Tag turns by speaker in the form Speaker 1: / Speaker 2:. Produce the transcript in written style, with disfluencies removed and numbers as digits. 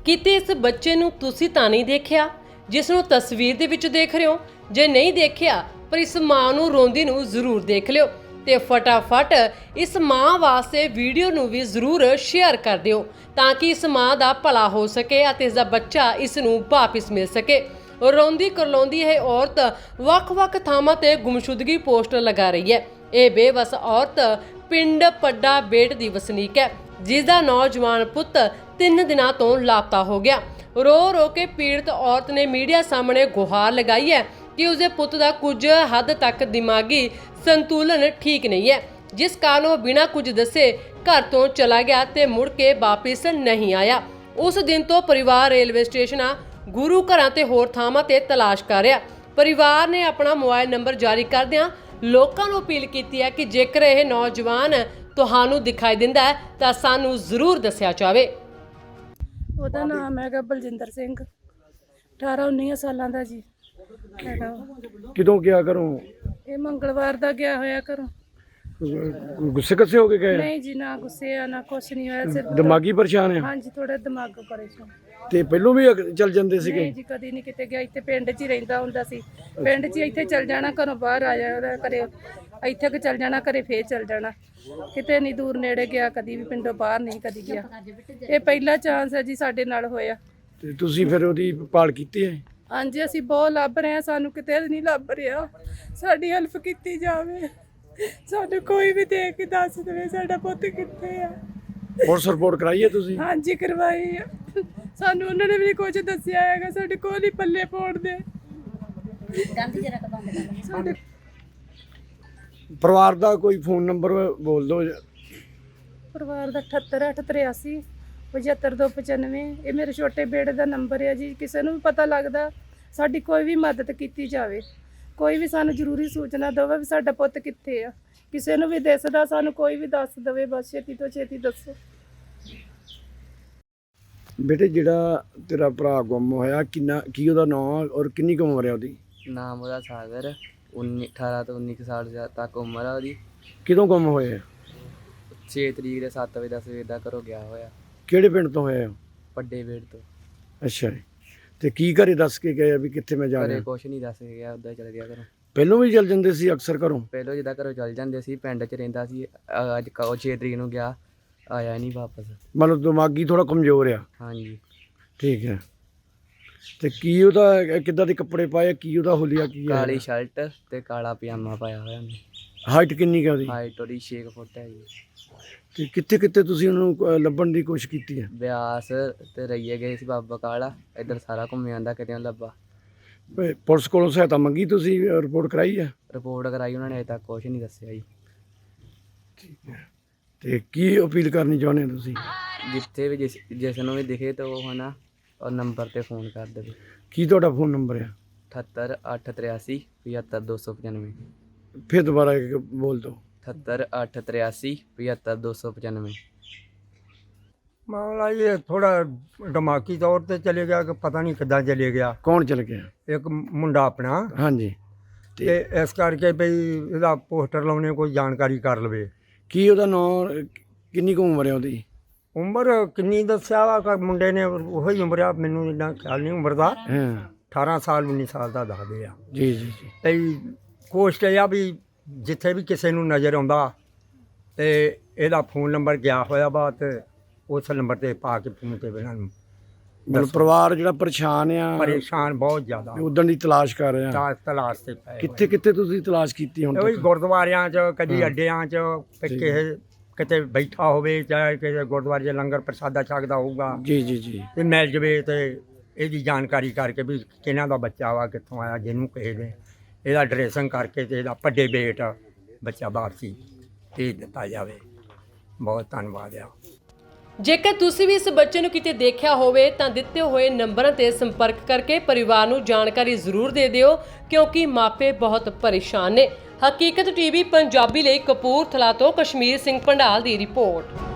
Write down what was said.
Speaker 1: ਕਿਤੇ ਇਸ ਬੱਚੇ ਨੂੰ ਤੁਸੀਂ ਤਾਂ ਨਹੀਂ ਦੇਖਿਆ ਜਿਸ ਨੂੰ ਤਸਵੀਰ ਦੇ ਵਿੱਚ ਦੇਖ ਰਹੇ ਹੋ? ਜੇ ਨਹੀਂ ਦੇਖਿਆ ਪਰ ਇਸ ਮਾਂ ਨੂੰ ਰੋਂਦੀ ਨੂੰ ਜ਼ਰੂਰ ਦੇਖ ਲਿਓ ਤੇ ਫਟਾਫਟ ਇਸ ਮਾਂ ਵਾਸਤੇ ਵੀਡੀਓ ਨੂੰ ਵੀ ਜ਼ਰੂਰ ਸ਼ੇਅਰ ਕਰ ਦਿਓ ਤਾਂ ਕਿ ਇਸ ਮਾਂ ਦਾ ਭਲਾ ਹੋ ਸਕੇ ਅਤੇ ਇਸ ਦਾ ਬੱਚਾ ਇਸ ਨੂੰ ਵਾਪਿਸ ਮਿਲ ਸਕੇ। ਰੋਂਦੀ ਕਰਲਾਉਂਦੀ ਇਹ ਔਰਤ ਵੱਖ-ਵੱਖ ਥਾਵਾਂ ਤੇ ਗੁੰਮਸ਼ੁਦਗੀ ਪੋਸਟਰ ਲਗਾ ਰਹੀ ਹੈ। ਇਹ ਬੇਵਸ ਔਰਤ ਪਿੰਡ ਪੱਡਾ ਬੇਟ ਦੀ ਵਸਨੀਕ ਹੈ ਜਿਸ ਦਾ ਨੌਜਵਾਨ ਪੁੱਤ 3 ਦਿਨਾਂ ਤੋਂ ਲਾਪਤਾ ਹੋ ਗਿਆ। ਰੋ ਕੇ ਪੀੜਤ ਔਰਤ ਨੇ ਮੀਡੀਆ ਸਾਹਮਣੇ ਗੁਹਾਰ ਲਗਾਈ ਹੈ ਕਿ ਉਸਦੇ ਪੁੱਤ ਦਾ ਕੁਝ ਹੱਦ ਤੱਕ ਦਿਮਾਗੀ ਸੰਤੁਲਨ ਠੀਕ ਨਹੀਂ ਹੈ, ਜਿਸ ਕਾਰਨ ਉਹ ਬਿਨਾਂ ਕੁਝ ਦੱਸੇ ਘਰ ਤੋਂ ਚਲਾ ਗਿਆ ਤੇ ਮੁੜ ਕੇ ਵਾਪਿਸ ਨਹੀਂ ਆਇਆ। ਉਸ ਦਿਨ ਤੋਂ ਪਰਿਵਾਰ ਰੇਲਵੇ ਸਟੇਸ਼ਨਾਂ, ਗੁਰੂ ਘਰਾਂ ਤੇ ਹੋਰ ਥਾਵਾਂ ਤੇ ਤਲਾਸ਼ ਕਰ ਰਿਹਾ। ਪਰਿਵਾਰ ਨੇ ਆਪਣਾ ਮੋਬਾਈਲ ਨੰਬਰ ਜਾਰੀ ਕਰਦਿਆਂ ਲੋਕਾਂ ਨੂੰ ਅਪੀਲ ਕੀਤੀ ਹੈ ਕਿ ਜੇਕਰ ਇਹ ਨੌਜਵਾਨ ਤੁਹਾਨੂੰ ਦਿਖਾਈ ਦਿੰਦਾ ਹੈ ਤਾਂ ਸਾਨੂੰ ਜ਼ਰੂਰ ਦੱਸਿਆ ਜਾਵੇ।
Speaker 2: ਉਹਦਾ ਨਾਮ ਹੈਗਾ ਬਲਜਿੰਦਰ ਸਿੰਘ, 18-19 ਸਾਲਾਂ ਦਾ ਜੀ ਹੈਗਾ।
Speaker 3: ਕਿਦੋਂ ਗਿਆ ਘਰੋਂ?
Speaker 2: ਇਹ ਮੰਗਲਵਾਰ ਦਾ ਗਿਆ ਹੋਇਆ ਘਰੋਂ।
Speaker 3: ਗੁੱਸੇ ਕੱਸੇ ਹੋ ਕੇ ਗਏ?
Speaker 2: ਨਹੀਂ ਜੀ, ਨਾ ਗੁੱਸੇ ਆ ਨਾ ਕੁਛ ਨਹੀਂ ਹੋਇਆ, ਸਿਰਫ
Speaker 3: ਦਿਮਾਗੀ ਪਰੇਸ਼ਾਨ ਆ?
Speaker 2: ਹਾਂਜੀ, ਥੋੜਾ ਦਿਮਾਗ ਪਰੇਸ਼ਾਨ।
Speaker 3: ਤੇ ਪਹਿਲੋਂ ਵੀ ਚੱਲ ਜਾਂਦੇ ਸੀਗੇ?
Speaker 2: ਨਹੀਂ ਜੀ, ਕਦੀ ਨਹੀਂ ਕਿਤੇ ਗਿਆ। ਇੱਥੇ ਪਿੰਡ 'ਚ ਹੀ ਰਹਿੰਦਾ ਹੁੰਦਾ ਸੀ। ਪਿੰਡ 'ਚ ਇੱਥੇ ਚੱਲ ਜਾਣਾ, ਘਰੋਂ ਬਾਹਰ ਆ ਜਾਣਾ, ਘਰੇ ਇੱਥੇ ਕਿ ਚੱਲ ਜਾਣਾ, ਘਰੇ ਫੇਰ ਚੱਲ ਜਾਣਾ। ਕਿਤੇ ਨਹੀਂ ਦੂਰ ਨੇੜੇ ਗਿਆ, ਕਦੀ ਵੀ ਪਿੰਡੋਂ ਬਾਹਰ ਨਹੀਂ ਕਦੀ ਗਿਆ। ਇਹ ਪਹਿਲਾ ਚਾਂਸ ਹੈ ਜੀ ਸਾਡੇ ਨਾਲ ਹੋਇਆ।
Speaker 3: ਤੇ ਤੁਸੀਂ ਫਿਰ ਉਹਦੀ ਭਾਲ ਕੀਤੀ ਹੈ?
Speaker 2: ਹਾਂਜੀ, ਅਸੀਂ ਬਹੁਤ ਲੱਭ ਰਹੇ ਹਾਂ, ਸਾਨੂੰ ਕਿਤੇ ਨਹੀਂ ਲੱਭ ਰਿਹਾ। ਸਾਡੀ ਹੈਲਪ ਕੀਤੀ ਜਾਵੇ, ਸਾਨੂੰ ਕੋਈ ਵੀ ਦੇਖ ਕੇ ਦੱਸ ਦੇਵੇ ਸਾਡਾ ਪੁੱਤ ਕਿੱਥੇ ਆ।
Speaker 3: ਪੁਲਿਸ ਰਿਪੋਰਟ ਕਰਾਈ ਹੈ ਤੁਸੀਂ?
Speaker 2: ਹਾਂਜੀ, ਕਰਵਾਈ ਆ। ਸਾਨੂੰ ਉਹਨਾਂ ਨੇ ਵੀ ਕੁਝ ਦੱਸਿਆ ਹੈਗਾ, ਸਾਡੇ ਕੋਲ ਹੀ ਪੱਲੇ ਪਾਉਣ ਦੇ। ਸਾਡੇ
Speaker 3: ਪਰਿਵਾਰ ਦਾ ਕੋਈ ਫੋਨ ਨੰਬਰ ਬੋਲ ਦਿਓ।
Speaker 2: ਪਰਿਵਾਰ ਦਾ 7883 75295। ਇਹ ਮੇਰੇ ਛੋਟੇ ਬੇਟੇ ਦਾ ਨੰਬਰ ਹੈ ਜੀ। ਕਿਸੇ ਨੂੰ ਵੀ ਪਤਾ ਲੱਗਦਾ, ਸਾਡੀ ਕੋਈ ਵੀ ਮਦਦ ਕੀਤੀ ਜਾਵੇ। ਕੋਈ ਵੀ ਸਾਨੂੰ ਜ਼ਰੂਰੀ ਸੂਚਨਾ ਦੇਵੇ ਵੀ ਸਾਡਾ ਪੁੱਤ ਕਿੱਥੇ ਆ। ਕਿਸੇ ਨੂੰ ਵੀ ਦਿਸਦਾ ਸਾਨੂੰ ਕੋਈ ਵੀ ਦੱਸ ਦੇਵੇ, ਬਸ ਛੇਤੀ ਤੋਂ ਛੇਤੀ ਦੱਸੋ।
Speaker 3: ਬੇਟੇ, ਜਿਹੜਾ ਤੇਰਾ ਭਰਾ ਗੁੰਮ ਹੋਇਆ, ਕੀ ਉਹਦਾ ਨਾਮ ਔਰ ਕਿੰਨੀ ਕੁ ਉਮਰ ਹੈ ਉਹਦੀ?
Speaker 4: ਨਾਮ ਉਹਦਾ ਸਾਗਰ, 18 ਤੋਂ 19 ਸਾਲ ਤੱਕ ਉਮਰ ਆ ਉਹਦੀ।
Speaker 3: ਕਿਦੋਂ ਗੁੰਮ ਹੋਇਆ?
Speaker 4: 6 ਤਰੀਕ ਦੇ 7 ਵਜੇ ਦਾ ਸਵੇਰ ਦਾ ਘਰੋਂ ਗਿਆ ਹੋਇਆ।
Speaker 3: ਕਿਹੜੇ ਪਿੰਡ ਤੋਂ ਹੋਇਆ?
Speaker 4: ਵੱਡੇ ਵੇੜ ਤੋਂ।
Speaker 3: ਅੱਛਾ ਜੀ। ਤੇ ਕੀ ਘਰੇ ਦੱਸ ਕੇ ਗਏ ਵੀ ਕਿੱਥੇ ਮੈਂ ਜਾ
Speaker 4: ਘਰੇ
Speaker 3: ਰਿਹਾ?
Speaker 4: ਕੁਛ ਨਹੀਂ ਦੱਸ ਕੇ ਗਿਆ, ਉੱਦਾਂ ਚਲ ਗਿਆ ਘਰੋਂ।
Speaker 3: ਪਹਿਲੋਂ ਵੀ ਚੱਲ ਜਾਂਦੇ ਸੀ ਅਕਸਰ ਘਰੋਂ?
Speaker 4: ਪਹਿਲੋਂ ਜਿੱਦਾਂ ਘਰੋਂ ਚੱਲ ਜਾਂਦੇ ਸੀ, ਪਿੰਡ 'ਚ ਰਹਿੰਦਾ ਸੀ। ਅੱਜ 6 ਤਰੀਕ ਨੂੰ ਗਿਆ, ਆਇਆ ਨਹੀਂ ਵਾਪਸ।
Speaker 3: ਮਤਲਬ ਦਿਮਾਗੀ ਥੋੜਾ ਕਮਜ਼ੋਰ ਆ?
Speaker 4: ਹਾਂਜੀ।
Speaker 3: ਠੀਕ ਹੈ। ਤੇ ਕੀ ਉਹਦਾ ਕਿੱਦਾਂ ਦੇ ਕੱਪੜੇ ਪਾਏ? ਕੀ ਉਹਦਾ ਹੁਲੀਆ ਕੀ ਹੈ?
Speaker 4: ਕਾਲੀ ਸ਼ਰਟ ਤੇ ਕਾਲਾ ਪਜਾਮਾ ਪਾਇਆ ਹੋਇਆ ਉਹਨੇ।
Speaker 3: ਹਾਈਟ ਕਿੰਨੀ ਕੁ ਉਹਦੀ?
Speaker 4: ਹਾਈਟ ਉਹਦੀ 6 ਫੁੱਟ ਹੈ ਜੀ।
Speaker 3: ਤੇ ਕਿੱਥੇ ਕਿੱਥੇ ਤੁਸੀਂ ਉਹਨੂੰ ਲੱਭਣ ਦੀ ਕੋਸ਼ਿਸ਼ ਕੀਤੀ ਹੈ?
Speaker 4: ਬਿਆਸ ਤੇ ਰਈਏ ਗਏ ਸੀ, ਬਾਬਾ ਕਾਲਾ, ਇੱਧਰ ਸਾਰਾ ਘੁੰਮ ਆਂਦਾ, ਕਿਤੇ ਨਹੀਂ ਲੱਭਾ।
Speaker 3: ਪੁਲਿਸ ਕੋਲੋਂ ਸਹਾਇਤਾ ਮੰਗੀ ਤੁਸੀਂ? ਰਿਪੋਰਟ ਕਰਾਈ ਹੈ?
Speaker 4: ਰਿਪੋਰਟ ਕਰਾਈ, ਉਹਨਾਂ ਨੇ ਅਜੇ ਤੱਕ ਕੁਛ ਨਹੀਂ ਦੱਸਿਆ ਜੀ।
Speaker 3: ਠੀਕ ਹੈ। ਤੇ ਕੀ ਅਪੀਲ ਕਰਨੀ ਚਾਹੁੰਦੇ ਹੋ ਤੁਸੀਂ?
Speaker 4: ਜਿੱਥੇ ਵੀ ਜਿਸ ਨੂੰ ਵੀ ਦਿਖੇ ਤਾਂ ਉਹ ਹੈ ਨਾ, ਉਹ ਨੰਬਰ 'ਤੇ ਫੋਨ ਕਰ ਦੇਵੇ।
Speaker 3: ਕੀ ਤੁਹਾਡਾ ਫੋਨ ਨੰਬਰ ਹੈ?
Speaker 4: 78 883 75295।
Speaker 3: ਫਿਰ ਦੁਬਾਰਾ ਇੱਕ ਬੋਲ ਦਿਓ।
Speaker 4: 78 883 75295।
Speaker 5: ਮਾਮਲਾ ਇਹ ਥੋੜਾ ਦਿਮਾਗੀ ਤੌਰ ਤੇ ਚਲੇ ਗਿਆ ਕਿ ਪਤਾ ਨਹੀਂ ਕਿੱਦਾਂ ਚਲੇ ਗਿਆ।
Speaker 3: ਕੌਣ ਚਲ ਗਿਆ?
Speaker 5: ਇੱਕ ਮੁੰਡਾ ਆਪਣਾ,
Speaker 3: ਹਾਂਜੀ।
Speaker 5: ਤੇ ਇਸ ਕਰਕੇ ਭਈ ਇਹਦਾ ਪੋਸਟਰ ਲਾਉਣੇ, ਕੋਈ ਜਾਣਕਾਰੀ ਕਰ ਲਵੇ।
Speaker 3: ਕੀ ਉਹਦਾ ਨਾਂ, ਕਿੰਨੀ ਕੁ ਉਮਰ ਹੈ ਉਹਦੀ?
Speaker 5: ਉਮਰ ਕਿੰਨੀ ਦੱਸਿਆ ਵਾ ਕਿ ਮੁੰਡੇ ਨੇ? ਉਹੀ ਉਮਰ ਆ, ਮੈਨੂੰ ਇੰਨਾ ਖਿਆਲ ਨਹੀਂ ਉਮਰ ਦਾ।
Speaker 3: ਹਾਂ।
Speaker 5: 18 ਸਾਲ 19 ਸਾਲ ਦਾ ਦੱਸਦੇ ਆ।
Speaker 3: ਜੀ ਜੀ ਜੀ।
Speaker 5: ਭਈ ਕੋਸ਼ਟ ਇਹ ਆ ਵੀ ਜਿੱਥੇ ਵੀ ਕਿਸੇ ਨੂੰ ਨਜ਼ਰ ਆਉਂਦਾ ਤੇ ਇਹਦਾ ਫੋਨ ਨੰਬਰ ਗਿਆ ਹੋਇਆ ਵਾ, ਤੇ ਉਸ ਨੰਬਰ ਤੇ ਪਾ ਕੇ ਫੋਨ ਤੇ ਬਿਨਾਂ
Speaker 3: ਮਤਲਬ ਪਰਿਵਾਰ ਜਿਹੜਾ ਪਰੇਸ਼ਾਨ ਆ,
Speaker 5: ਪਰੇਸ਼ਾਨ ਬਹੁਤ ਜ਼ਿਆਦਾ,
Speaker 3: ਉਦੋਂ ਦੀ ਤਲਾਸ਼ ਕਰ ਰਹੇ ਆ।
Speaker 5: ਤਲਾਸ਼ ਤੇ ਪਏ
Speaker 3: ਕਿੱਥੇ ਕਿੱਥੇ ਤੁਸੀਂ ਤਲਾਸ਼ ਕੀਤੀ ਹੁਣ
Speaker 5: ਉਹੀ
Speaker 3: ਤੱਕ?
Speaker 5: ਗੁਰਦੁਆਰਿਆਂ 'ਚ, ਕਦੀ ਅੱਡਿਆਂ 'ਚ, ਕਿਸੇ ਕਿਤੇ ਬੈਠਾ ਹੋਵੇ, ਚਾਹੇ ਕਿਸੇ ਗੁਰਦੁਆਰੇ 'ਚ ਲੰਗਰ ਪ੍ਰਸ਼ਾਦਾ ਛਕਦਾ ਹੋਊਗਾ,
Speaker 3: ਜੀ ਜੀ ਜੀ।
Speaker 5: ਤੇ ਮਿਲ ਜਵੇ ਤੇ ਇਹਦੀ ਜਾਣਕਾਰੀ ਕਰਕੇ ਵੀ ਕਿਹਨਾਂ ਦਾ ਬੱਚਾ ਵਾ, ਕਿੱਥੋਂ ਆਇਆ, ਜਿਹਨੂੰ ਕਿਸੇ ਨੇ ਇਹਦਾ ਡਰੈਸਿੰਗ ਕਰਕੇ ਤੇ ਇਹਦਾ ਵੱਡੇ ਬੇਟ ਬੱਚਾ ਬਾਹਰ ਸੀ ਭੇਜ ਦਿੱਤਾ ਜਾਵੇ। ਬਹੁਤ ਧੰਨਵਾਦ ਆ।
Speaker 1: ਜੇਕਰ ਤੁਸੀਂ ਵੀ ਇਸ ਬੱਚੇ ਨੂੰ ਕਿਤੇ ਦੇਖਿਆ ਹੋਵੇ ਤਾਂ ਦਿੱਤੇ ਹੋਏ ਨੰਬਰਾਂ ਤੇ ਸੰਪਰਕ ਕਰਕੇ ਪਰਿਵਾਰ ਨੂੰ ਜਾਣਕਾਰੀ ਜ਼ਰੂਰ ਦੇ ਦਿਓ, ਕਿਉਂਕਿ ਮਾਪੇ ਬਹੁਤ ਪਰੇਸ਼ਾਨ ਨੇ। ਹਕੀਕਤ ਟੀਵੀ ਪੰਜਾਬੀ ਲਈ ਕਪੂਰਥਲਾ ਤੋਂ ਕਸ਼ਮੀਰ ਸਿੰਘ ਪੰਡਾਲ ਦੀ ਰਿਪੋਰਟ।